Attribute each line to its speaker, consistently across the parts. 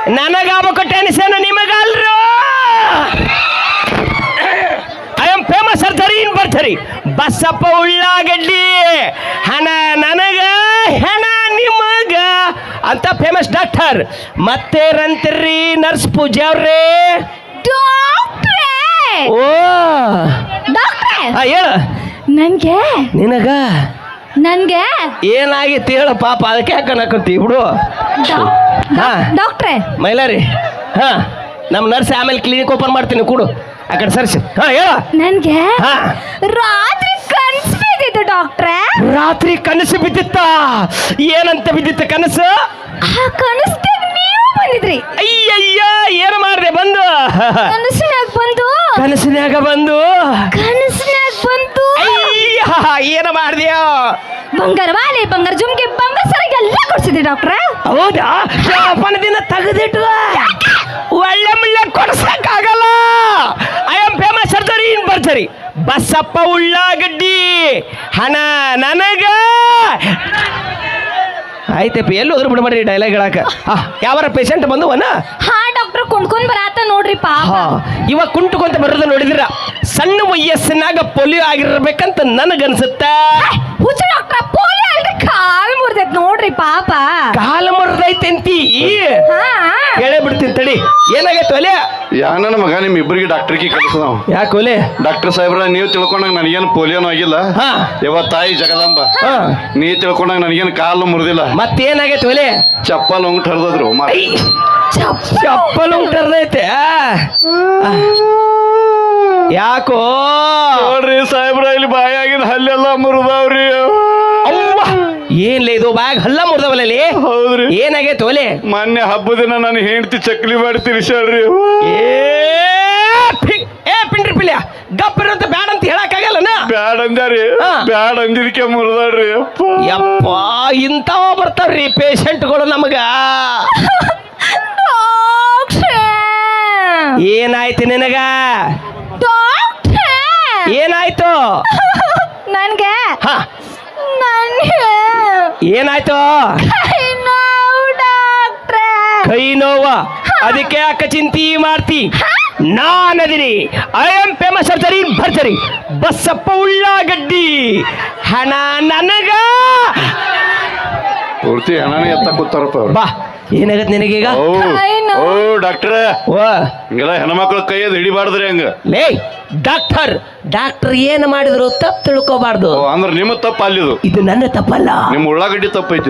Speaker 1: ನನಗಾಗಬೇಕು tension ನಿಮಗಲ್ರು. I am famous surgery in ಬರ್ಜರಿ ಬಸಪ್ಪ ಉಳ್ಳಾಗಡ್ಡಿ. ಹಣ ನನಗ ಹೆಣ ನಿಮಗ ಅಂತ ಫೇಮಸ್ ಡಾಕ್ಟರ್. ಮತ್ತೇರಂತೀರಿ ನರ್ಸ್ ಪೂಜಾ ಅವ್ರೇ? ಓ ಹೇಳ.
Speaker 2: ನನ್ಗೆ
Speaker 1: ನಿನಗ
Speaker 2: ನನ್ಗೆ
Speaker 1: ಏನಾಗಿತ್ತು ಹೇಳು ಪಾಪ, ಅದಕ್ಕೆ ಯಾಕನ್ನಕಂತೀವಿ ಬಿಡು.
Speaker 2: ಡಾಕ್ಟ್ರೇ
Speaker 1: ಮೈಲಾರಿ, ಹಾ ನಮ್ಮ ನರ್ಸ್ ಆಮೇಲೆ ಕ್ಲಿನಿಕ್ ಓಪನ್ ಮಾಡ್ತೀನಿ ಕೂಡು ಆ ಕಡೆ ಸರ್ಸಿ. ಹಾ ಹೇಳ.
Speaker 2: ನನ್ಗೆ
Speaker 1: ಹಾ
Speaker 2: ರಾತ್ರಿ ಕನಸು ಬಿದ್ದಿತ್ತು ಡಾಕ್ಟ್ರೇ.
Speaker 1: ರಾತ್ರಿ ಕನಸು ಬಿದ್ದಿತ್ತ? ಏನಂತ ಬಿದ್ದಿತ್ತು ಕನಸು?
Speaker 2: ಆ ಕನಸ್ದಾಗ ನೀವು ಬಂದಿದ್ರಿ.
Speaker 1: ಅಯ್ಯಯ್ಯ ಏನು ಮಾಡಿದೆ ಬಂದು?
Speaker 2: ಕನಸಿನಾಗ ಬಂದು
Speaker 1: ಕನಸಿನಾಗ ಬಂದು ಅಯ್ಯ ಏನು ಮಾಡಿದ್ಯೋ?
Speaker 2: ಬಂಗಾರ ವಾಲೆ, ಬಂಗಾರ ಜುಮ್ಗೆ, ಬಂಗಾರ ಸರಿಗೆ ಎಲ್ಲ ಕೊಡ್ಸಿದ್ರಿ ಡಾಕ್ಟ್ರ.
Speaker 1: ಹೌದಾ? ದಿನ ತೆಗೆದಿಟ್ಟು ಒಳ್ಳೆ ಮುಳ್ಳೆ ಕೊಡ್ಸಕ್ಕಾಗಲ್ಲ. I am famous surgery in ಬರ್ಜರಿ ಬಸಪ್ಪ ಉಳ್ಳಾಗಡ್ಡಿ. ಹಣ ನನಗ. ಆಯ್ತಪ್ಪ, ಎಲ್ಲಿ ಹೋದ್ರು ಬಿಡ್ಬೇಡ್ರಿ ಡೈಲಾಗ್ ಹೇಳಕ. ಯಾವಾರ ಪೇಷಂಟ್ ಬಂದುವನ?
Speaker 2: ಹಾ ಡಾಕ್ಟರ್ ಕುಂಡ್ಕೊಂಡ್ ಬರಾತ ನೋಡ್ರಿ ಪಾಪ.
Speaker 1: ಇವಾಗ ಕುಂಟುಕೊಂತ ಬರೋದು ನೋಡಿದಿರ? ಸಣ್ಣ ವಯಸ್ಸಿನಾಗ ಪೋಲಿಯೋ ಆಗಿರ್ಬೇಕಂತ ನನಗನ್ಸುತ್ತ.
Speaker 2: ಹುಚ್ಚ ಡಾಕ್ಟ್ರ, ಪೋಲಿಯೋ ಅಲ್ರಿ, ಕಾಲ್ ಮುರಿದೈತ್ ನೋಡ್ರಿ ಪಾಪ.
Speaker 1: ಕಾಲು ಮುರಿದೈತೆಂತಿ? ಹೇಳೇ ಬಿಡ್ತೀನಿ ತಡಿ. ಏನಾಗೈತೆ ಒಲೆ?
Speaker 3: ನನ್ನ ಮಗ ನಿಮ್ ಇಬ್ಬರಿಗೆ ಡಾಕ್ಟರ್ಗೆ ಕಲಿಸ ನಾವು.
Speaker 1: ಯಾಕೆ ಒಲೆ?
Speaker 3: ಡಾಕ್ಟರ್ ಸಾಹೇಬ್ರ, ನೀವು ತಿಳ್ಕೊಂಡಾಗ ನನಗೇನು ಪೋಲಿಯೋನು ಆಗಿಲ್ಲ. ಯಾವ ತಾಯಿ ಜಗದಾಂಬ, ನೀ ತಿಳ್ಕೊಂಡಾಗ ನನಗೇನು ಕಾಲು ಮುರಿದಿಲ್ಲ.
Speaker 1: ಮತ್ತೇನಾಗೈತೆ ಒಲೆ?
Speaker 3: ಚಪ್ಪಲ್ ಉಂಟು ಹರಿದ್ರು.
Speaker 1: ಚಪ್ಪಲ್ ಉಂಟು ಹರಿದೈತೆ? ಯಾಕೋ
Speaker 3: ನೋಡ್ರಿ ಸಾಹೇಬ್ರ, ಇಲ್ಲಿ ಬಾಯಾಗಿನ ಹಲ್ಲೆಲ್ಲ ಮುರಿದವ್ರಿ.
Speaker 1: ಏನ್ಲೇ ಇದು ಬ್ಯಾಗ್ ಹಲ್ಲ ಮುರಿದವಲ್ಲಿ?
Speaker 3: ಹೌದ್ರಿ.
Speaker 1: ಏನಾಗೈತೆ ಒಲೆ?
Speaker 3: ಮೊನ್ನೆ ಹಬ್ಬದ ದಿನ ನಾನು ಹೆಂಡತಿ ಚಕ್ಲಿ ಮಾಡಿ ತಿರ್ಸಾಳ್ರಿ.
Speaker 1: ಪಿಂಡ್ರಿ ಪಿಲ್ಯ ಗಪ್ಪಿರಂತ ಬ್ಯಾಡ ಅಂತ ಹೇಳಕ್ಕಾಗಲ್ಲನ?
Speaker 3: ಬ್ಯಾಡ ಅಂದ್ಯಾರಿ, ಬ್ಯಾಡ ಅಂದಿದಕ್ಕೆ ಮುರಿದಾಳ್ರಿ.
Speaker 1: ಯಪ್ಪ, ಇಂಥವ ಬರ್ತಾವ್ರಿ ಪೇಷಂಟ್ಗಳು ನಮಗ. ಏನಾಯ್ತು ನಿನಗ? ಏನಾಯ್ತು
Speaker 2: ನನ್ಗೆ?
Speaker 1: ಏನಾಯ್ತು? ಕೈ ನೋವ? ಅದಕ್ಕೆ ಯಾಕೆ ಚಿಂತೆ ಮಾಡ್ತಿ? ನಾನದಿನಿ. ಐ ಆಮ್ ಫೇಮಸ್ ಸರ್ಜರಿ ಭರ್ಜರಿ ಬಸಪ್ಪ ಉಳ್ಳಾಗಡ್ಡಿ. ಹಣ ನನಗ.
Speaker 3: ಪೂರ್ತಿ ಹಣನೇ ಎತ್ತ ಕೂತಾರಪ್ಪ ಅವ್ರು.
Speaker 1: ಬಾ, ಏನಾಗತ್ತೆ ನಿನಗೀಗ?
Speaker 3: ಓ ಡಾಕ್ಟ್ರ, ಹಿಂಗೆಲ್ಲ ಹೆಣ್ಮಕ್ಳು ಕೈಯದ್ ಹಿಡಿಬಾರ್ದ್ರಿ. ಹಂಗ
Speaker 1: ಲೇ ಡಾಕ್ಟರ್, ಡಾಕ್ಟರ್ ಏನು ಮಾಡಿದ್ರು ತಪ್ಪು ತಿಳ್ಕೋಬಾರ್ದು.
Speaker 3: ಅಂದ್ರೆ ನಿಮ್ಮ ತಪ್ಪು ಅಲ್ಲಿದು,
Speaker 1: ಇದು ನನ್ನ ತಪ್ಪಲ್ಲ.
Speaker 3: ನಿಮ್ಮ ಉಳ್ಳಾಗಡ್ಡಿ ತಪ್ಪೈತಿ.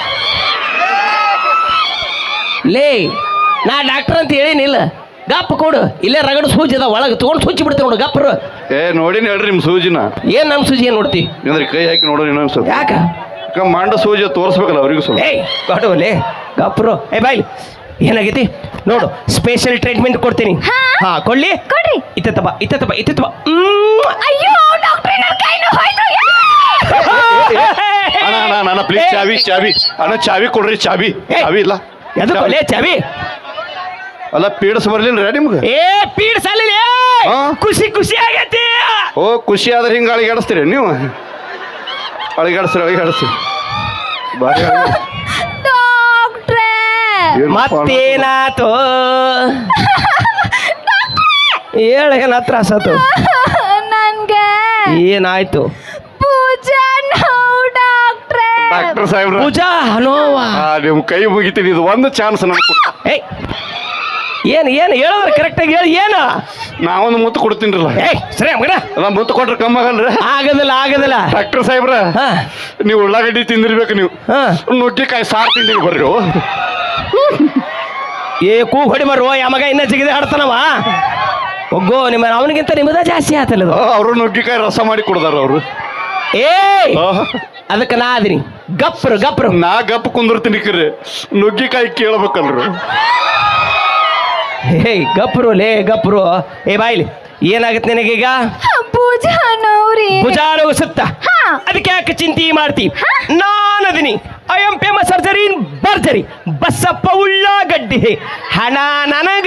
Speaker 1: ಲೇ, ನಾ ಡಾಕ್ಟರ್ ಅಂತ ಹೇಳಿನಿಲ್ಲ. ಗಪ್ಪ ಕೊಡು, ಇಲ್ಲೇ ರಗಡ ಸೂಜಿ ಅದ ಒಳಗೆ ತಗೊಂಡು ಸುಚ್ಚಿ ಬಿಡ್ತೀವಿ ನೋಡು. ಗಪ್ಪರು
Speaker 3: ನೋಡಿನ ಹೇಳ್ರಿ ನಿಮ್ಮ ಸೂಜಿನ.
Speaker 1: ಏನ್ ನಮ್ಮ ಸೂಜಿ ಏನ್ ನೋಡ್ತಿ?
Speaker 3: ಅಂದ್ರೆ ಕೈ ಹಾಕಿ ನೋಡೋಣ ಇನ್ನೊಂದ್ಸಲ.
Speaker 1: ಯಾಕ?
Speaker 3: ಮಂಡ ಸೂಜಿ ತೋರಿಸ್ಬೇಕಲ್ಲ ಅವ್ರಿಗೂ ಸ್ವಲ್ಪ.
Speaker 1: ಕೊಡುವಲೇ ಗಪ್ರು. ಬಾಯ್ಲಿ, ಏನಾಗೈತಿ ನೋಡು, ಸ್ಪೆಷಲ್ ಟ್ರೀಟ್ಮೆಂಟ್ ಕೊಡ್ತೀನಿ. ಹಾ ಕೊಡ್ಲಿ?
Speaker 2: ಕೊಡ್ರಿ.
Speaker 1: ಇತ್ತಪ್ಪ ಇತ್ತಪ್ಪ ಇತ್ತಪ್ಪ.
Speaker 2: ಅಯ್ಯೋ ಡಾಕ್ಟ್ರೇ, ನನ್ನ ಕೈ ನೋವಾಯ್ತು.
Speaker 3: ಅಣ್ಣ ಪ್ಲೀಸ್ ಚಾವಿ ಚಾವಿ ಅಣ್ಣ, ಚಾವಿ ಕೊಡ್ರಿ. ಚಾವಿ ಇಲ್ಲ.
Speaker 1: ಎದಕ್ಕೆ ಚಾವಿ?
Speaker 3: ಅಲ್ಲ ಪೀಡ್ಸ್ ಬರ್ಲಿಲ್ಲ ನಿಮ್ಗೆ?
Speaker 1: ಪೀಡ್ಸಲ್ಲ, ಖುಷಿ ಖುಷಿ ಆಗೈತಿ.
Speaker 3: ಓ ಖುಷಿ ಆದ್ರೆ ಹಿಂಗ ಅಳಿಗಾಡಿಸ್ತೀರಿ ನೀವು? ಅಳಿಗಾಡಿಸ್ತೀರಿ ಬಾರಿ.
Speaker 1: ಮತ್ತೇನಾತು ಹೇಳ, ಏನ ತ್ರಾಸ ಆತು?
Speaker 2: ನನ್ಗೆ
Speaker 1: ಏನಾಯ್ತು?
Speaker 2: ಪೂಜಾ ನೋವು ಡಾಕ್ಟ್ರೇ.
Speaker 3: ಡಾಕ್ಟರ್ ಸಾಹೇಬ್ರ,
Speaker 1: ಪೂಜಾ ನೋವಾ?
Speaker 3: ನಿಮ್ ಕೈ ಮುಗಿತೀನಿ, ಇದು ಒಂದು ಚಾನ್ಸ್ ನಮ್ಗೆ.
Speaker 1: ಏನು ಏನು ಹೇಳಿದ್ರೆ ಕರೆಕ್ಟಾಗಿ ಹೇಳಿ. ಏನು?
Speaker 3: ನಾವೊಂದು ಮುತ್ತು ಕೊಡ್ತೀನಿರಲ್ಲ.
Speaker 1: ಸರಿ ಮಗನ,
Speaker 3: ಅಲ್ಲ ಮುತ್ತು ಕೊಟ್ರೆ ಕಮ್ಮಿ ಆಗಲ್ರಿ?
Speaker 1: ಆಗದಿಲ್ಲ ಆಗದಿಲ್ಲ.
Speaker 3: ಡಾಕ್ಟರ್ ಸಾಹೇಬ್ರ, ನೀವು ಉಳ್ಳಾಗಡ್ಡಿ ತಿಂದಿರ್ಬೇಕು. ನೀವು ನುಗ್ಗಿಕಾಯಿ ಸಾರು ತಿಂದಿರಿ ಬರ್ರಿ.
Speaker 1: ಕೂಗ್ ಹೊಡಿ ಬರುವ ಯಮಗ ಇನ್ನ ಜಿಗಿದೆ ಹಾಡ್ತಾನವ. ಒಗ್ಗೋ, ನಿಮ್ಮ ಅವನಿಗಿಂತ ನಿಮ್ಮದ ಜಾಸ್ತಿ ಆತಲ್ಲ.
Speaker 3: ಅವರು ನುಗ್ಗಿಕಾಯಿ ರಸ ಮಾಡಿ ಕೊಡ್ದಾರ ಅವರು.
Speaker 1: ಅದಕ್ಕೆ ನಾ ಅದೀನಿ ಗಪ್ರು ಗಪ್ರು.
Speaker 3: ನಾ ಗಪ್ ಕುಂದಿರ್ತೀನಿ ಕರೆ, ನುಗ್ಗಿಕಾಯಿ ಕೇಳ್ಬೇಕಲ್ರಿ.
Speaker 1: ಗಪ್ರು ಲೇ ಗಪ್ರು. ಬಾಯ್ಲಿ, ಏನಾಗತ್ತೆ ನಿನಗೀಗ?
Speaker 2: ಪೂಜಾ ನೋವ್ರಿ.
Speaker 1: ಭುಜಾ ನೋವು ಸುತ್ತ, ಅದಕ್ಕೆ ಯಾಕೆ ಚಿಂತೆ ಮಾಡ್ತಿ? ನಾನದಿನಿ. I am famous surgery in ಬರ್ಜರಿ ಬಸಪ್ಪ ಉಳ್ಳಾಗಡ್ಡಿ. ಹಣ ನನಗ.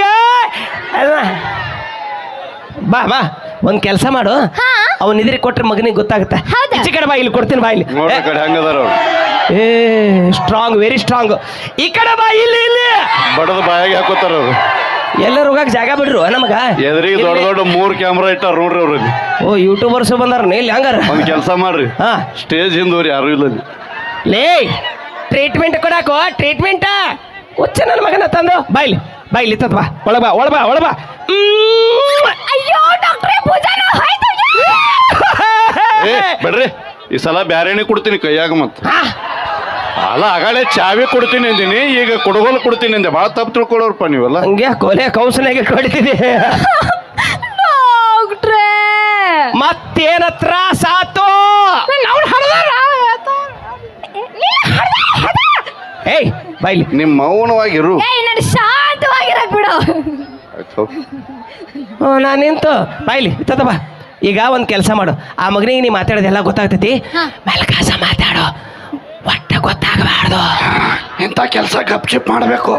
Speaker 1: ಬಾ ಬಾ, ಒಂದ್ ಕೆಲಸ ಮಾಡು, ಅವನ್ ಇದ್ರಿ ಕೊಟ್ರೆ ಮಗನಿಗೆ ಗೊತ್ತಾಗುತ್ತೆ. ಈಚೆ ಕಡೆ ಬಾ, ಇಲ್ಲಿ ಕೊಡ್ತೀನಿ. ಬಾ ಇಲ್ಲಿ.
Speaker 3: ಹೆಂಗದಾರ
Speaker 1: ಸ್ಟ್ರಾಂಗ್, ವೆರಿ ಸ್ಟ್ರಾಂಗ್. ಈ ಕಡೆ ಬಾ, ಇಲ್ಲಿ ಇಲ್ಲಿ
Speaker 3: ಹೊಡೆದು ಬಾಯಾಗಿ ಹಾಕೋತಾರ ಅವ್ರು.
Speaker 1: ಎಲ್ಲರೂ ಹೋಗಕ್ ಜಾಗ ಬಿಡ್ರು ನಮಗ
Speaker 3: ಎದುರಿಗೆ ದೊಡ್ಡ ದೊಡ್ಡ 3 ಕ್ಯಾಮ್ರಾ ಇಟ್ಟಾರ ನೋಡ್ರಿ ಅವ್ರಲ್ಲಿ.
Speaker 1: ಓ ಯೂಟ್ಯೂಬರ್ಸ್ ಬಂದಾರ ಇಲ್ಲಿ ಹಂಗಾರ
Speaker 3: ಒಂದ್ ಕೆಲಸ ಮಾಡ್ರಿ,
Speaker 1: ಹಾ
Speaker 3: ಸ್ಟೇಜ್ ಹಿಂದೂರಿ ಯಾರು ಇಲ್ಲ ಅಲ್ಲಿ.
Speaker 1: ಲೇ ಟ್ರೀಟ್ಮೆಂಟ್ ಕೊಡಾಕೋ ಟ್ರೀಟ್ಮೆಂಟ್ ಹುಚ್ಚ ನನ್ನ ಮಗನ ತಂದು ಬಾಯ್ಲಿ ಬಾಯ್ಲಿ ತತ್ ಬಾ ಒಳಬಾ ಒಳಬಾ ಒಳಬಾ
Speaker 2: ಅಯ್ಯೋ ಡಾಕ್ಟ್ರೇ ಭುಜನ ಹೋಯ್ತು
Speaker 3: ಏ ಬಿಡ್ರಿ, ಈ ಸಲ ಬ್ಯಾರೇನೆ ಕೊಡ್ತೀನಿ ಕೈಯಾಗ ಮತ್ತ. ಅಲ್ಲ ಆಗಾಳೆ ಚಾವಿ ಕೊಡ್ತೀನಿ ಅಂದಿನಿ, ಈಗ ಕೊಡಗೋಲು ಕೊಡ್ತೀನಿ ಅಂದೆ. ಭಾಳ ತಪ್ಪು ತಿಳ್ಕೊಳ್ಳೋರಪ್ಪ ನೀವೆಲ್ಲ.
Speaker 1: ಹಂಗೆ ಕೊಲೆ ಕೌನ್ಸಿಲಾಗಿ ಕೊಡ್ತಿದ್ದೆ
Speaker 2: ಡಾಕ್ಟ್ರೇ
Speaker 1: ಮತ್ತೇನ ತ್ರಾಸ ಆತು ಏಯ್ ಬಾಯ್ಲಿ
Speaker 3: ನಿಮ್ಮ ಮೌನವಾಗಿರು.
Speaker 2: ಏಯ್ ನಾನು ಶಾಂತವಾಗಿರಕ್ ಬಿಡು.
Speaker 1: ನಾನು ನಿಂತು ಬಾಯ್ಲಿ ತತ ಬಾ. ಈಗ ಒಂದು ಕೆಲಸ ಮಾಡು, ಆ ಮಗನಿಗೆ ನೀ ಮಾತಾಡೋದೆಲ್ಲ ಗೊತ್ತಾಗ್ತೈತಿ, ಮೆಲ್ಕಾಸ ಮಾತಾಡು, ಒಟ್ಟ ಗೊತ್ತಾಗಬಾರ್ದು.
Speaker 3: ಇಂಥ ಕೆಲಸ ಗಪ್ಚಿಪ್ ಮಾಡಬೇಕು,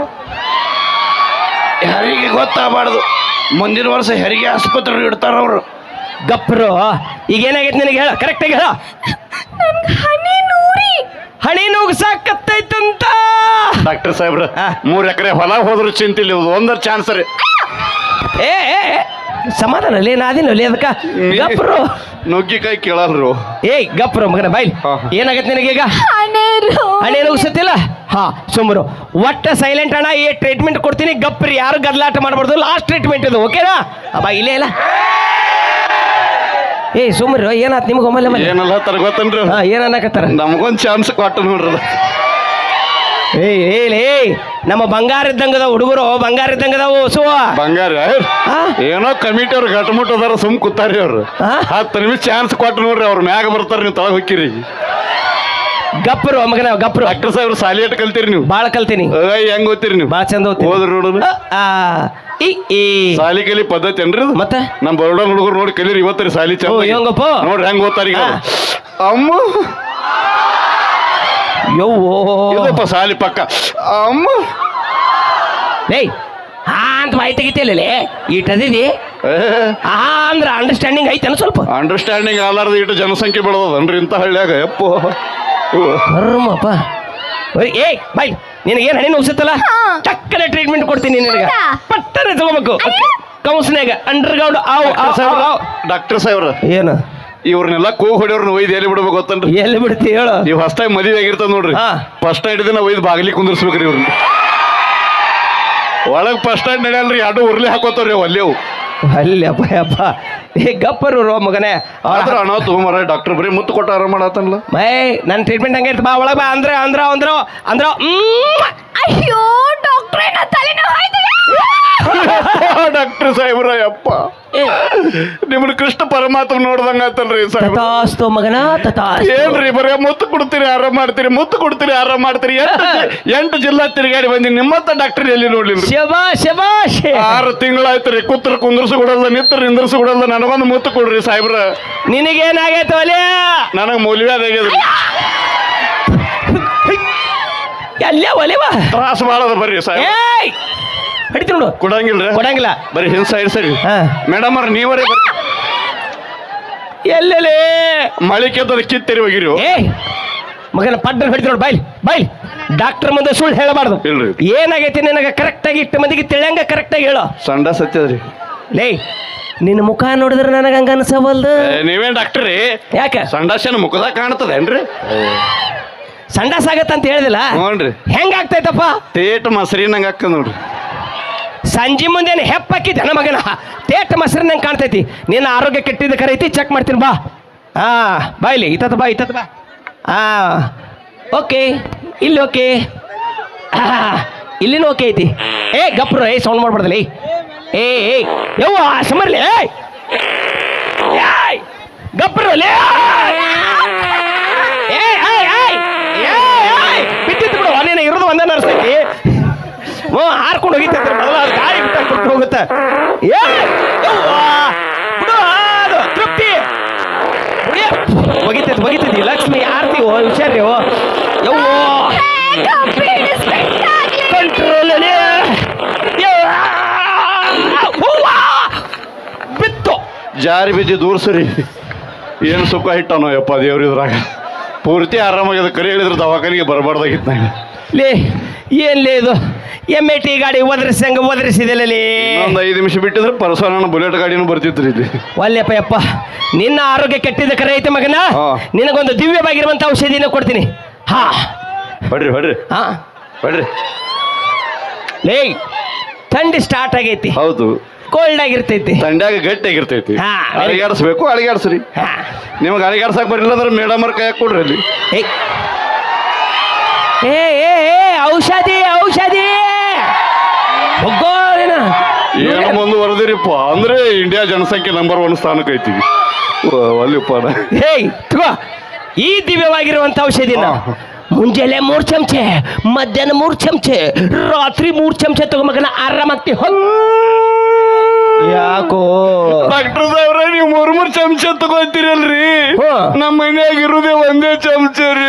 Speaker 3: ಯಾರಿಗೆ ಗೊತ್ತಾಗಬಾರ್ದು. ಮುಂದಿನ ವರ್ಷ ಹೆರಿಗೆ ಆಸ್ಪತ್ರೆ ಇಡ್ತಾರ ಅವರು.
Speaker 1: ಗಪ್ರು ಈಗ ಏನಾಗೈತೆ ನಿನಗೆ ಹೇಳ, ಕರೆಕ್ಟಾಗಿ ಹೇಳ.
Speaker 2: ನನ್ಗೆ ಹನಿ ನೂರಿ
Speaker 1: ಹಣಿ ನುಗ್ಸಾಕತ್ತೈತಂತ
Speaker 3: ಡಾಕ್ಟರ್ ಸಾಹೇಬ್ರ 3 ಎಕರೆ ಹೊಲ ಹೋದ್ರು ಚಿಂತಿಲ್ಲ, ಒಂದರ ಚಾನ್ಸ್ ರೀ.
Speaker 1: ಏ ಸಮಾಧಾನ ಲೇ ನಾದಿನಲ್ಲಿ ಅದಕ್ಕ ಗಪ್ರು
Speaker 3: ನುಗ್ಗಿಕಾಯಿ ಕೇಳಲ್ರು.
Speaker 1: ಏಯ್ ಗಪ್ರು ಮಗನ ಬಾಯ್ಲಿ ಏನಾಗತ್ತೆ ನಿನಗೀಗ? ಹಣೆ ನುಗ್ಸತ್ತಿಲ್ಲ. ಹಾ ಸುಮ್ರು ಒಟ್ಟ ಸೈಲೆಂಟ್ ಅಣ್ಣ. ಈ ಟ್ರೀಟ್ಮೆಂಟ್ ಕೊಡ್ತೀನಿ, ಗಪ್ರಿ, ಯಾರು ಗದ್ಲಾಟ ಮಾಡಬಾರ್ದು. ಲಾಸ್ಟ್ ಟ್ರೀಟ್ಮೆಂಟ್ ಇದು, ಓಕೆನಾ? ಬಾ ಇಲ್ಲೇ ಇಲ್ಲ. ಏಯ್ ಸುಮ್ರು ಏನಾತ್ ನಿಮ್ಗೆ ಒಮ್ಮೆ
Speaker 3: ಏನಲ್ಲ ತರ ಗೊತ್ತನ್ರಿ,
Speaker 1: ಹಾ ಏನನ್ನಕತ್ತಾರ?
Speaker 3: ನಮಗೊಂದು ಚಾನ್ಸ್ ಕೊಟ್ಟು ನೋಡ್ರಲ್ಲ.
Speaker 1: ಏಯ್ ನಮ್ಮ ಬಂಗಾರ ಇದ್ದಂಗದ ಹುಡುಗರು, ಬಂಗಾರ ಇದ್ದಂಗದಾವು ಸುವ
Speaker 3: ಬಂಗಾರ. ಏನೋ ಕಮಿಟಿ ಅವ್ರು ಗಟ್ಟಮುಟ್ಟು ಅದಾರ, ಸುಮ್ ಕೂತಾರಿ ಅವ್ರು. 10 ನಿಮಿಷ ಚಾನ್ಸ್ ಕೊಟ್ಟು ನೋಡ್ರಿ, ಅವ್ರ ಮ್ಯಾಗ ಬರ್ತಾರ, ನೀವು ತಳಗ ಹೋಗಿರಿ.
Speaker 1: ಗಪ್ರು ಮಗನ ಗಪ್ರು.
Speaker 3: ಡಾಕ್ಟರ್ ಸಾಹೇಬ್ರು ಸಾಲಿ ಎಟ್ ಕಲ್ತೀರಿ ನೀವು?
Speaker 1: ಬಾಳ ಕಲ್ತೀನಿ.
Speaker 3: ಹೆಂಗ್ ಓದ್ತೀರಿ ನೀವು?
Speaker 1: ಬಾಳ ಚಂದ ಓದ್ತೀನಿ.
Speaker 3: ಹೋದ್ರಿ ನೋಡ್ರಿ.
Speaker 1: ಸಾಲಿ
Speaker 3: ಕಲಿ ಪದ್ಧತಿ ಏನ್ರಿ
Speaker 1: ಮತ್ತೆ?
Speaker 3: ನಮ್ ಬರೋಡ ಹುಡುಗರು ನೋಡಿ ಕಲೀರಿ ಇವತ್ತರಿ ಸಾಲಿ ಚಂದ.
Speaker 1: ಹೆಂಗಪ್ಪ
Speaker 3: ನೋಡ್ರಿ ಹೆಂಗ್ ಓದ್ತಾರ ಈಗ. ಅಮ್ಮ ಇದಪ್ಪ ಸಾಲಿ ಪಕ್ಕ. ಅಮ್ಮ
Speaker 1: ಏಯ್ ಹಾ ಅಂತ ಬಾಯಿ ತೆಗಿತಿಲ್ಲ ಈಟದಿದಿ. ಹಾ ಅಂದ್ರ ಅಂಡರ್ಸ್ಟ್ಯಾಂಡಿಂಗ್ ಐತೇನ ಸ್ವಲ್ಪ?
Speaker 3: ಅಂಡರ್ಸ್ಟ್ಯಾಂಡಿಂಗ್ ಆಲಾರ್ದ ಇಟ್ಟು ಜನಸಂಖ್ಯೆ ಬೆಳೆದನ್ರಿ ಇಂಥ ಹಳ್ಳಿಯಾಗ. ಯಪ್ಪೋ
Speaker 1: ಕರ್ಮಪ್ಪ. ಏಯ್ ಬಾಯ್ ನಿನಗೇನು ಹಣಿ ನುಗ್ಸುತ್ತಲ್ಲ, ಟಕ್ಕನೆ ಟ್ರೀಟ್ಮೆಂಟ್ ಕೊಡ್ತೀನಿ ನಿನಗೆ, ಪಟ್ಟನೆ ತಗೋಬೇಕು. ಕೌನ್ಸಿನಾಗ ಅಂಡರ್ಗ್ರೌಂಡ್
Speaker 3: ಡಾಕ್ಟರ್ ಸಾಹೇಬ್ರ
Speaker 1: ಏನು
Speaker 3: ಇವ್ರನ್ನೆಲ್ಲ ಕೂಗ್ ಹೊಡಿಯವ್ರನ್ನ ಒಯ್ದು ಎಲ್ಲಿ ಬಿಡ್ಬೇಕು ಗೊತ್ತನ್ರಿ?
Speaker 1: ಎಲ್ಲಿ ಬಿಡ್ತಿ ಹೇಳು?
Speaker 3: ನೀವು ಹೊಸ್ತಾಗಿ ಮದುವೆ ಆಗಿರ್ತದ ನೋಡ್ರಿ, ಫಸ್ಟ್ ನೈಟ್ ದಿನ ಒಯ್ದು ಬಾಗಿಲಿ ಕುಂದಿರ್ಸ್ಬೇಕ್ರಿ ಇವ್ರನ್ನ. ಒಳಗ್ ಫಸ್ಟ್ ನೈಟ್ ನಡೆಯಲ್ರಿ, ಎರಡು ಉರ್ಲಿ ಹಾಕೋತಾವ್ರಿ ಅಲ್ಲೇವು.
Speaker 1: ಅಲ್ಲಿ ಅಪ್ಪ ಅಪ್ಪ ಏ ಗಪ್ಪರು ರೋ ಮಗನೇ.
Speaker 3: ಆದ್ರ ಹಣ ತಗೊಂಬರ ಡಾಕ್ಟರ್ ಬರೀ ಮುತ್ತು ಕೊಟ್ಟು ಆರಾಮ ಮಾಡತ್ತಲ್ಲ.
Speaker 1: ಮೈ ನನ್ನ ಟ್ರೀಟ್ಮೆಂಟ್ ಹಂಗೆ ಇರ್ತ ಬಾ ಒಳಗೆ ಬಾ. ಅಂದ್ರ ಅಂದ್ರ ಅಂದ್ರ ಅಂದ್ರ
Speaker 2: ಅಯ್ಯೋ ಡಾಕ್ಟ್ರೇ ನಾ ತಲೆನೋವು ಆಯ್ತು.
Speaker 3: ಡಾಕ್ಟರ್ ಸಾಹೇಬ್ರ ಯಪ್ಪ ನಿಮ್ಮನ್ನ ಕೃಷ್ಣ ಪರಮಾತ್ಮ ನೋಡ್ದಂಗ ಆತಲ್ರಿ ಸಾಹೇಬ್ರ.
Speaker 1: ತಥಾಸ್ತು ಮಗನ ತಥಾಸ್ತು.
Speaker 3: ಏನ್ರಿ ಬರೀ ಮುತ್ತು ಕೊಡ್ತೀರಿ ಆರಾಮ್ ಮಾಡ್ತೀರಿ, ಮುತ್ತು ಕೊಡ್ತೀರಿ ಆರಾಮ್ ಮಾಡ್ತೀರಿ. 8 ಜಿಲ್ಲಾ ತಿರುಗಾಡಿ ಬಂದಿನಿ, ನಿಮ್ಮತ್ತ ಡಾಕ್ಟರ್ ಎಲ್ಲಿ ನೋಡ್ಲಿಲ್ಲ.
Speaker 1: ಶಬಾಷ್ ಶಬಾಷ್.
Speaker 3: 6 ತಿಂಗಳಾಯ್ತ್ರಿ, ಕೂತ್ರ ಕುಂದ್ರಸು ಕೊಡಲ್ಲ, ನಿತ್ರ ನಿಂದ್ರಸು ಕೊಡಲ್ಲ. ನನಗೊಂದು ಮುತ್ತು ಕೊಡ್ರಿ ಸಾಹೇಬ್ರ.
Speaker 1: ನಿನಗೇನಾಗೈತೆ ಒಲೆ?
Speaker 3: ನನಗೆ ಮೌಲ್ಯವಾದಾಗ್ಯದ್ರಿ.
Speaker 1: ಅಲ್ಲೇ ಒಲೆವಾ
Speaker 3: ತ್ರಾಸ ಮಾಡದ ಬರ್ರಿ ಸಾಹೇಬ್.
Speaker 1: ಹಿಡಿತು ನೋಡು.
Speaker 3: ಕೊಡಂಗಿಲ್ರಿ?
Speaker 1: ಕೊಡಂಗಿಲ್ಲ.
Speaker 3: ಬರೀ ಹಿಂಸಾ ಸರಿ. ಮೇಡಮ್ ಅವ್ರ ನೀವರೇ ಬರ್ರಿ.
Speaker 1: ಎಲ್ಲೆಲೆ
Speaker 3: ಮಳಿ ಕೆತ್ತದ ಕಿತ್ತರಿ ಹೋಗಿರಿ.
Speaker 1: ಮಗನ ಪಡ್ಡ ಹಿಡಿತು ನೋಡು. ಬಾಯ್ಲಿ ಬಾಯ್ಲಿ. ಡಾಕ್ಟರ್ ಮುಂದೆ ಸುಳ್ಳು ಹೇಳಬಾರ್ದು.
Speaker 3: ಇಲ್ರಿ
Speaker 1: ಏನಾಗೈತಿ ನಿನಗೆ ಕರೆಕ್ಟಾಗಿ ಇಟ್ಟು ಮಂದಿಗೆ ತಿಳಿಯಂಗ ಕರೆಕ್ಟಾಗಿ ಹೇಳು.
Speaker 3: ಸಂಡ ಸತ್ಯದ್ರಿ.
Speaker 1: ಲೇ ನಿನ್ನ ಮುಖ ನೋಡಿದ್ರೆ ನನಗೆ ಹಂಗ ಅನ್ಸವಲ್ದು.
Speaker 3: ನೀವೇನ್ ಡಾಕ್ಟ್ರಿ?
Speaker 1: ಯಾಕೆ
Speaker 3: ಸಂಡಾಸನ ಮುಖದಾಗ ಕಾಣ್ತದೇನ್ರಿ?
Speaker 1: ಸಂಡಾಸ ಆಗತ್ತಂತ ಹೇಳಿದಿಲ್ಲ.
Speaker 3: ನೋಡ್ರಿ
Speaker 1: ಹೆಂಗಾಗ್ತೈತಪ್ಪ?
Speaker 3: ತೇಟ್ ಮಸರಿ ನಂಗೆ ಹಾಕ ನೋಡ್ರಿ.
Speaker 1: ಸಂಜೆ ಮುಂದೇನು ಹೆಪ್ಪಾಕಿದ್ದೆ ನನ್ನ ಮಗನ, ತೇಟ್ ಮೊಸರು ನಂಗೆ ಕಾಣ್ತೈತಿ. ನಿನ್ನ ಆರೋಗ್ಯ ಕೆಟ್ಟಿದ್ದ ಕರೈತಿ, ಚೆಕ್ ಮಾಡ್ತೀನಿ ಬಾ. ಬಾಯ್ಲಿ ಇತ್ತ ಬಾ ಇತ್ತ ಬಾ. ಓಕೆ ಇಲ್ಲಿ ಓಕೆ, ಇಲ್ಲಿನೂ ಓಕೆ ಐತಿ. ಗಪ್ರು ಸೌಂಡ್ ಮಾಡ್ಬಾರ್ದಲ್ಲ. ಯವ್ವ ಸಮರ್ಲಿ ಗಪ್ರು ಬಿಟ್ಟಿತ್ತು ಬಿಡು. ನೀನು ಇರೋದು ಒಂದೇ ನರ್ಸೈತಿ. ಹಾರ್ಕೊಂಡು ಹೋಗಿತ್ತೈತಿ ಮೊದಲ ಗಾಳಿ ಬಿಟ್ಟು ಹೋಗುತ್ತೆ. ಬಿಡು ಅದು ತೃಪ್ತಿ ಒಗಿತೈತಿ ಲಕ್ಷ್ಮಿ ಆರ್ತಿ ಹುಷಾರಿ. ಯವ್ವೋ ಕಂಟ್ರೋಲ್ ಬಿತ್ತು
Speaker 3: ಜಾರಿ ಬಿದ್ದಿ ದೂರ ಸರಿ. ಏನು ಸುಖ ಇಟ್ಟನೋ ಯಪ್ಪ ದೇವ್ರಿದ್ರಾಗ. ಪೂರ್ತಿ ಆರಾಮಾಗ್ಯದ. ಕರೆ ಹೇಳಿದ್ರೆ ದವಾಖಾನಿಗೆ ಬರಬಾರ್ದಾಗಿತ್ತು.
Speaker 1: ಲೇ ಏನ್ಲೇ ಇದು MAT ಗಾಡಿ ಒದರಿಸಿದಲ್ಲಿ
Speaker 3: ಇನ್ನೊಂದು 5 ನಿಮಿಷ ಬಿಟ್ಟಿದ್ರೆ ಪರಸೋನ ಬುಲೆಟ್ ಗಾಡಿನೂ ಬರ್ತಿತ್ರಿ ಇಲ್ಲಿ.
Speaker 1: ಒಲ್ಲೆಪ್ಪ ಯಪ್ಪ, ನಿನ್ನ ಆರೋಗ್ಯ ಕೆಟ್ಟಿದ್ದ ಕರೆ ಐತೆ ಮಗನ.
Speaker 3: ಹಾ.
Speaker 1: ನಿನಗೊಂದು ದಿವ್ಯವಾಗಿರುವಂತ ಔಷಧಿನ ಕೊಡ್ತೀನಿ. ಹಾ
Speaker 3: ಹೊಡ್ರಿ
Speaker 1: ಹಾ
Speaker 3: ಹೊಡ್ರಿ.
Speaker 1: ಲೇ, ಥಂಡಿ ಸ್ಟಾರ್ಟ್ ಆಗೈತಿ,
Speaker 3: ಹೌದು,
Speaker 1: ಕೋಲ್ಡ್ ಆಗಿರ್ತೈತಿ,
Speaker 3: ತಂಡ್ಯಾಗ ಗಟ್ಟಿಯಾಗಿರ್ತೈತಿ.
Speaker 1: ಹಾ.
Speaker 3: ಅಳಿಗಾಡಿಸ್ಬೇಕು, ಅಳಿಗಾಡ್ಸ್ರಿ.
Speaker 1: ಹಾ.
Speaker 3: ನಿಮ್ಗೆ ಅಳಿಗಾಡ್ಸಕ್ ಬರಲಿಲ್ಲ ಅಂದ್ರೆ ಮೇಡಮ್ ಅವ್ರ ಕೈ ಕೊಡ್ರಿ ಅಲ್ಲಿ.
Speaker 1: ಏಯ್. ಏ ಏ ಏ ಔಷಧಿ ಹೋಗೋರೇನ
Speaker 3: ಏನೋ ಮುಂದುವರೆದಿರಿಪ್ಪ ಅಂದ್ರೆ ಇಂಡಿಯಾ ಜನಸಂಖ್ಯೆ ನಂಬರ್ 1 ಸ್ಥಾನಕ್ಕೆ ಐತಿ. ಅಲ್ಲಿಪ್ಪ
Speaker 1: ಹೇಯ್ ತಗೋ ಈ ದಿವ್ಯವಾಗಿರುವಂತ ಔಷಧಿನ. ಮುಂಜಾನೆ 3 ಚಮಚೆ, ಮಧ್ಯಾಹ್ನ 3 ಚಮಚೆ, ರಾತ್ರಿ 3 ಚಮಚೆ ತಗೋ ಮಗನ, ಆರಾಮಾಗ್ತಿ. ಯಾಕೋ
Speaker 3: ಡಾಕ್ಟರ್ ಸಾಹೇಬ್ರ ನೀವು 3 ಚಮಚ ತಗೋತೀರಲ್ರಿ, ನಮ್ಮ ಮನ್ಯಾಗ ಇರುದೇ 1 ಚಮಚ ರೀ.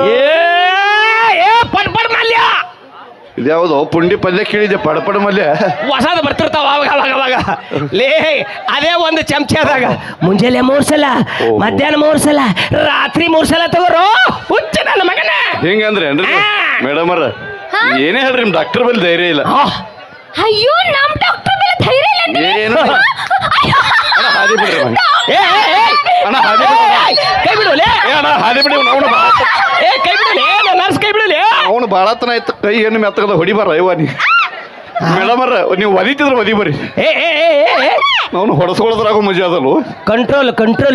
Speaker 1: ಪಡ್ ಮಲ್ಯ,
Speaker 3: ಇದ್ಯಾವುದು ಪುಂಡಿ ಪಲ್ಯ ಕೇಳಿದೆ, ಪಡಪಡ ಮಲ್ಯ
Speaker 1: ಹೊಸದು ಬರ್ತಿರ್ತಾವ ಅವಾಗ. ಲೇ, ಅದೇ 1 ಚಮಚದಾಗ ಮುಂಜಾನೆ 3 ಸಲ, ಮಧ್ಯಾಹ್ನ 3 ಸಲ, ರಾತ್ರಿ 3 ಸಲ ತಗೋರು. ಹುಚ್ಚ ನನ್ನ ಮಗನ.
Speaker 3: ಹಿಂಗಂದ್ರೆ ಏನ್ರಿ ಮೇಡಮ್ ಅವ್ರ? ಏನೇ ಹೇಳ್ರಿ, ನಿಮ್ ಡಾಕ್ಟರ್ ಬಲ್ಲಿ ಧೈರ್ಯ ಇಲ್ಲ.
Speaker 2: ಅಯ್ಯೋ, ನಮ್ ಡಾಕ್ಟರ್ ಮೇಲೆ ಧೈರ್ಯ ಇಲ್ಲ ಅಂತೀರಿ?
Speaker 3: ಏನು ಅಣ್ಣ ಹಾದಿ ಬಿಡ್ರಿ ಅಣ್ಣ. ಅಣ್ಣ ಹಾದಿ
Speaker 1: ಕೈ ಬಿಡುವಲೇ,
Speaker 3: ಅಣ್ಣ ಹಾದಿ ಬಿಡಿ.
Speaker 1: ಕೈ ಬಿಡುವಲೇ, ನರ್ಸ್ ಕೈ ಬಿಡುವಲೇ.
Speaker 3: ಅವನು ಬಾಳತನ ಆಯ್ತು, ಕೈ ಏನು ಮೆತ್ತಗದ ಹೊಡಿಬಾರ ಇವ ನೀ. ಮೇಡಮ್ ಅವ್ರ ನೀವು ಒದಿತಿದ್ರೆ ಒದಿ ಬರ್ರಿ, ಅವನು ಹೊಡೆಸ್ಕೊಳ್ಳೋದ್ರಾಗ ಮಜಾ ಅದಲ್ವ.
Speaker 1: ಕಂಟ್ರೋಲ್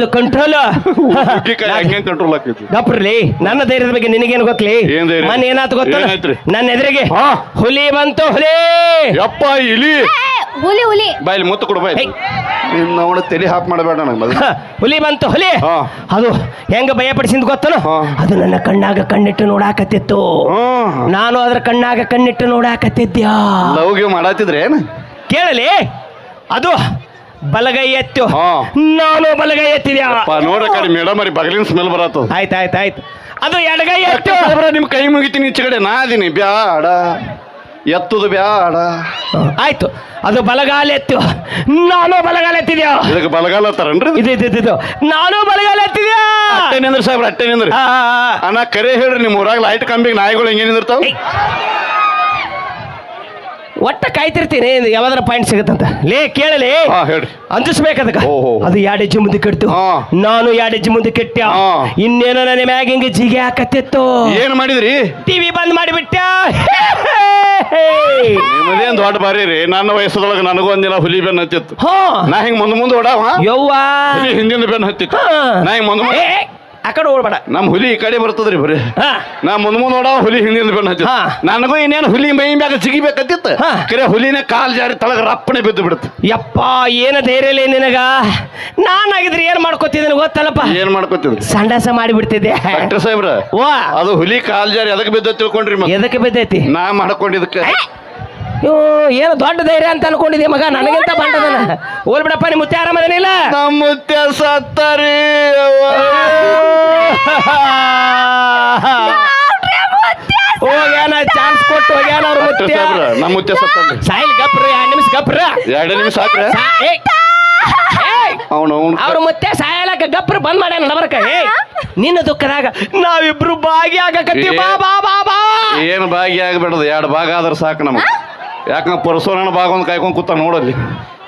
Speaker 3: ಹಂಗೆ ಕಂಟ್ರೋಲ್ ಆಕೈತಿ.
Speaker 1: ಡಾಕ್ಟರ್ಲಿ, ನನ್ನ ಧೈರ್ಯದ ಬಗ್ಗೆ ನಿನಗೇನು ಗೊತ್ತಲಿ?
Speaker 3: ಏನ್ ಧೈರ್ಯ?
Speaker 1: ಮನೆ ಏನಾಯ್ತು ಗೊತ್ತ?
Speaker 3: ಏನಾಯ್ತ್ರಿ?
Speaker 1: ನನ್ನ ಎದುರಿಗೆ
Speaker 3: ಹಾ.
Speaker 1: ಹುಲಿ ಬಂತು, ಹುಲಿ.
Speaker 3: ಯಪ್ಪ ಇಲಿ
Speaker 2: ಹುಲಿ
Speaker 3: ಬಾಯಲ್ಲಿ ಮುತ್ತು ಕೊಡು ಬಾಯ್. ಅವನ ತಲೆ ಹಾಪ್ ಮಾಡಬೇಡ ನನಗೆ.
Speaker 1: ಹುಲಿ ಬಂತು, ಹುಲಿ.
Speaker 3: ಹಾ.
Speaker 1: ಅದು ಹೆಂಗ ಭಯಪಡಿಸಿದ್ ಗೊತ್ತನು?
Speaker 3: ಹಾ.
Speaker 1: ಅದು ನನ್ನ ಕಣ್ಣಾಗ ಕಣ್ಣಿಟ್ಟು ನೋಡಾಕತ್ತಿತ್ತು, ನಾನು ಅದ್ರ ಕಣ್ಣಾಗ ಕಣ್ಣಿಟ್ಟು ನೋಡಾಕತ್ತಿದ್ಯಾ.
Speaker 3: ಲವ್ಗೆ ಮಾಡತ್ತಿದ್ರೆ ಏನು
Speaker 1: ಕೇಳಲಿ? ಅದು ಬಲಗೈ ಎತ್ತು,
Speaker 3: ಹಾ.
Speaker 1: ನಾನು ಬಲಗೈ ಎತ್ತಿದ್ಯಾ.
Speaker 3: ನೋಡ ಕಡೆ ಮೇಡಮ್ ಅವ್ರಿ ಬಗಲಿನ ಸ್ಮೆಲ್ ಬರತ್ತ.
Speaker 1: ಆಯ್ತು ಅದು ಎಡಗೈ ಎತ್ತು.
Speaker 3: ನಿಮ್ ಕೈ ಮುಗಿತೀನಿ ಈಚೆ ಕಡೆ, ನಾ ಅದೀನಿ. ಬ್ಯಾಡ ಎತ್ತುದು ಬ್ಯಾಡ.
Speaker 1: ಆಯ್ತು, ಅದು ಬಲಗಾಲ ಎತ್ತು, ನಾನು ಬಲಗಾಲ ಎತ್ತಿದ್ಯಾ.
Speaker 3: ಇದಕ್ಕೆ ಬಲಗಾಲ ಅಂತಾರನ್ರಿ?
Speaker 1: ಇದು ನಾನು ಬಲಗಾಲ ಎತ್ತಿದ್ಯಾ.
Speaker 3: ಅಟ್ಟೆ ನಿಂದ್ರಿ ಸಾಹೇಬ್ರ, ಅಟ್ಟೆ ನಿಂದ್ರಿ. ಅಣ್ಣ ಕರೆ ಹೇಳ್ರಿ, ನಿಮ್ ಊರಾಗ ಲೈಟ್ ಕಂಬಿಗೆ ನಾಯಿಗಳು ಹೆಂಗೆ ನಿಂದಿರ್ತಾವ?
Speaker 1: ಒಟ್ಟ ಕಾಯ್ತಿರ್ತೀನಿ ಯಾವ್ದಾರ ಪಾಯಿಂಟ್ ಸಿಗುತ್ತಂತ. ಲೇ ಕೇಳಲಿ,
Speaker 3: ಹೇಳ್ರಿ.
Speaker 1: ಅಂಜಿಸ್ಬೇಕದಕ್ಕ. ಅದು 2 ಹೆಜ್ಜೆ ಮುಂದೆ ಕೆಟ್ಟು, ನಾನು 2 ಹೆಜ್ಜೆ ಮುಂದೆ ಕೆಟ್ಟ. ಇನ್ನೇನೋ ನನ್ನ ಮ್ಯಾಗ ಹಿಂಗೆ ಜಿಗೆ ಹಾಕತ್ತಿತ್ತು.
Speaker 3: ಏನ್ ಮಾಡಿದ್ರಿ?
Speaker 1: ಟಿವಿ ಬಂದ್ ಮಾಡಿಬಿಟ್ಟ.
Speaker 3: ನಿಮ್ಮದೇನ್ ದೊಡ್ಡ ಬಾರಿ ರೀ. ನನ್ನ ವಯಸ್ಸದೊಳಗೆ ನನಗೂ ಒಂದಿನ ಹುಲಿ ಬೆನ್ನು ಹತ್ತಿತ್ತು. ನಾ ಹಿಂಗ್ ಮುಂದೆ ಓಡಾವ,
Speaker 1: ಯವ್ವಾ
Speaker 3: ಹುಲಿ ಹಿಂದಿನ ಬೆನ್ನು ಹತ್ತಿತ್ತು. ನಾ ಹಿಂಗ್ ಮುಂದೆ
Speaker 1: ಆ ಕಡೆ ಓಡ್ಬೇಡ,
Speaker 3: ನಮ್ ಹುಲಿ ಈ ಕಡೆ ಬರ್ತದ್ರಿ ಬರೀ. ನಾ ಮುಂದೆ ಓಡಾವ, ಹುಲಿ ಹಿಂದಿನ ಬೆನ್ನು ಹತ್ತಿತ್ತು. ನನಗೂ ಇನ್ನೇನು ಹುಲಿ ಮೈ ಮ್ಯಾಗ ಜಿಗಿಬೇಕತ್ತಿತ್ತು. ಕರೆ ಹುಲಿನ ಕಾಲ್ ಜಾರಿ ತಳಗ ರಪ್ಪನೆ ಬಿದ್ದು ಬಿಡುತ್ತೆ.
Speaker 1: ಯಪ್ಪ, ಏನ ಧೈರ್ಯ ಇಲ್ಲ ನಿನಗ. ನಾನಾಗಿದ್ರೆ ಏನ್ ಮಾಡ್ಕೊತಿದ್ದೀನಿ ಗೊತ್ತಲ್ಲಪ್ಪ?
Speaker 3: ಏನ್ ಮಾಡ್ಕೊತಿದ್ರಿ?
Speaker 1: ಸಂಡಾಸ ಮಾಡಿಬಿಡ್ತಿದ್ದೆ.
Speaker 3: ಡಾಕ್ಟರ್ ಸಾಹೇಬ್ರ, ಅದು ಹುಲಿ ಕಾಲ್ ಜಾರಿ ಅದಕ್ಕೆ ಬಿದ್ದ ತಿಳ್ಕೊಂಡ್ರಿ?
Speaker 1: ಎದಕ್ಕೆ ಬಿದ್ದೈತಿ?
Speaker 3: ನಾ ಮಾಡ್ಕೊಂಡಿದ್ದಕ್ಕೆ.
Speaker 1: ಏನು ದೊಡ್ಡ ಧೈರ್ಯ ಅಂತ ಅನ್ಕೊಂಡಿದ್ದೆ ಮಗ, ನನಗಿಂತ ಬಂಡದನ. ಹೋಲ್ ಬಿಡಪ್ಪ, ನಿಮ್ಮ ಮುತ್ತೆ ಆರಾಮದೇನಿಲ್ಲ?
Speaker 3: ನಮ್ಮ ಮುತ್ತೆ ಸತ್ತರಿ.
Speaker 1: ಹೋಗ್ಯಾನ, ಚಾನ್ಸ್ ಕೊಟ್ಟು ಹೋಗ್ಯಾನ ಅವ್ರ ಮುತ್ತೆ.
Speaker 3: ನಮ್ಮ ಮುತ್ತೆ ಸತ್ತನ್ರಿ.
Speaker 1: ಸಾಯಿಲ್ ಗಪ್ರ, 2 ನಿಮಿಷ ಗಪ್ರ.
Speaker 3: 2 ನಿಮಿಷ ಸಾಕ್ರೆ
Speaker 1: ಅವ್ರ ಮುತ್ತೆ ಸಾಯಲಕ್ಕ ಗಪ್ರ ಬಂದ್ ಮಾಡ್ಯಾನ ನಡಬರ್ಕ. ನಿನ್ನ ದುಃಖದಾಗ ನಾವಿಬ್ರು ಭಾಗಿಯಾಗಕತ್ತಿ. ಬಾ ಬಾ ಬಾ ಬಾ.
Speaker 3: ಏನು ಭಾಗಿ ಆಗ್ಬೇಡದು, 2 ಭಾಗ ಆದ್ರೆ ಸಾಕು ನಮಗೆ. ಯಾಕಂದ್ರೆ ಪರಸೋನ ಭಾಗ ಒಂದು ಕಾಯ್ಕೊಂಡು ಕೂತ ನೋಡಲ್ಲಿ.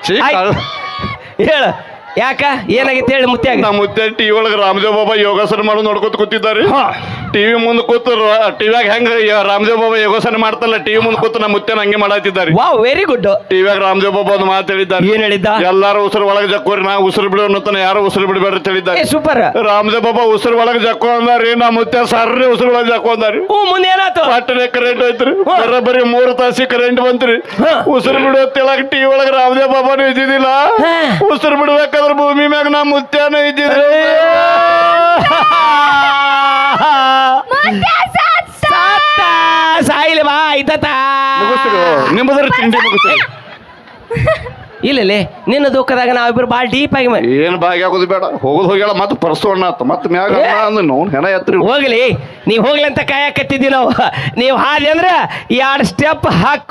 Speaker 1: ಹೇಳ ಯಾಕ ಏನಾಗಿತ್ತು ಹೇಳಿ ಮುತ್ಯಾಗ?
Speaker 3: ನಮ್ಮ ಮುತ್ತೆ ಟಿವಿ ಒಳಗೆ ರಾಮದೇವ್ ಬಾಬಾ ಯೋಗಾಸನ ಮಾಡೋದು ನೋಡ್ಕೊತ ಕೂತಿದ್ದಾರೆ. ಟಿವಿ ಮುಂದೆ ಕೂತು ಟಿವಿಯಾಗ ಹೆಂಗ ರಾಮದೇವ್ ಬಾಬಾ ಯೋಗಾಸನ ಮಾಡ್ತಲ್ಲ, ಟಿವಿ ಮುಂದೆ ಕೂತು ನಮ್ಮ ಮುತ್ತೆನ ಹಂಗೆ ಮಾಡತ್ತಿದ್ದಾರೆ.
Speaker 1: Wow, very good.
Speaker 3: ಟಿವಿಯಾಗ ರಾಮದೇವ್ ಬಾಬಾ ಒಂದು ಮಾತು ಹೇಳಿದ್ದಾರೆ.
Speaker 1: ಏನ್ ಹೇಳಿದ್ದ?
Speaker 3: ಎಲ್ಲಾರು ಉಸಿರು ಒಳಗೆ ಜಕ್ಕೋರಿ, ನಾ ಉಸಿರು ಬಿಡೋಣ, ಯಾರು ಉಸಿರು ಬಿಡಬೇಡ್ರಿ ಅಂತ ಹೇಳಿದ್ದಾರೆ.
Speaker 1: ಸೂಪರ್.
Speaker 3: ರಾಮದೇವ್ ಬಾಬಾ ಉಸಿರು ಒಳಗೆ ಜಕ್ಕೋ ಅಂದಾರಿ, ನಮ್ಮ ಮುತ್ತೆ ಸರ್ರಿ ಉಸಿರು ಒಳಗೆ ಜಕ್ಕೋ ಅಂದಾರಿ.
Speaker 1: ಮುಂದೆ ಏನಾಯ್ತು?
Speaker 3: ಪಟ್ಟನೆ ಕರೆಂಟ್ ಹೋಯ್ತ್ರಿ. ಬರೀ 3 ತಾಸಿ ಕರೆಂಟ್ ಬಂತ್ರಿ. ಉಸಿರು ಬಿಡೋತ್ತೇಳಾಗ ಟಿವಿ ಒಳಗೆ ರಾಮದೇವ್ ಬಾಬಾನು ಇದ್ದಿದ್ದಿಲ್ಲ. ಉಸಿರು ಬಿಡ್ಬೇಕಾದ್ರೆ ಭೂಮಿ ಮ್ಯಾಗ ನಮ್ಮ ಮುತ್ಯಾನು ಇದ್ದಿದ್ರು.
Speaker 1: ಸಾಯಿಲ್ ಬಾ ಆಯ್ತಾ?
Speaker 3: ನಿಮ್ಮದ್ರ ತಿಂಡಿ ಮುಗಿಸ್ತೀವಿ.
Speaker 1: ಇಲ್ಲಲೇ, ನಿನ್ನ ದುಃಖದಾಗ ನಾವಿಬ್ರು ಭಾಳ ಡೀಪ್ ಆಗಿ
Speaker 3: ಏನು ಭಾಗಿ ಆಗೋದು ಬೇಡ. ಹೋಗೋದು ಹೋಗ್ಯಾಳ, ಮತ್ತೆ ಪರ್ಸೋಣ ಮತ್ತೆ ಮ್ಯಾಗ ಹೆಣ ಎತ್ತರಿ.
Speaker 1: ಹೋಗ್ಲಿ, ನೀವ್ ಹೋಗ್ಲಿ ಅಂತ ಕಾಯಕತ್ತಿದ್ವಿ ನಾವು. ನೀವು ಹಾದಿ ಅಂದ್ರೆ 2 ಸ್ಟೆಪ್ ಹಾಕಿ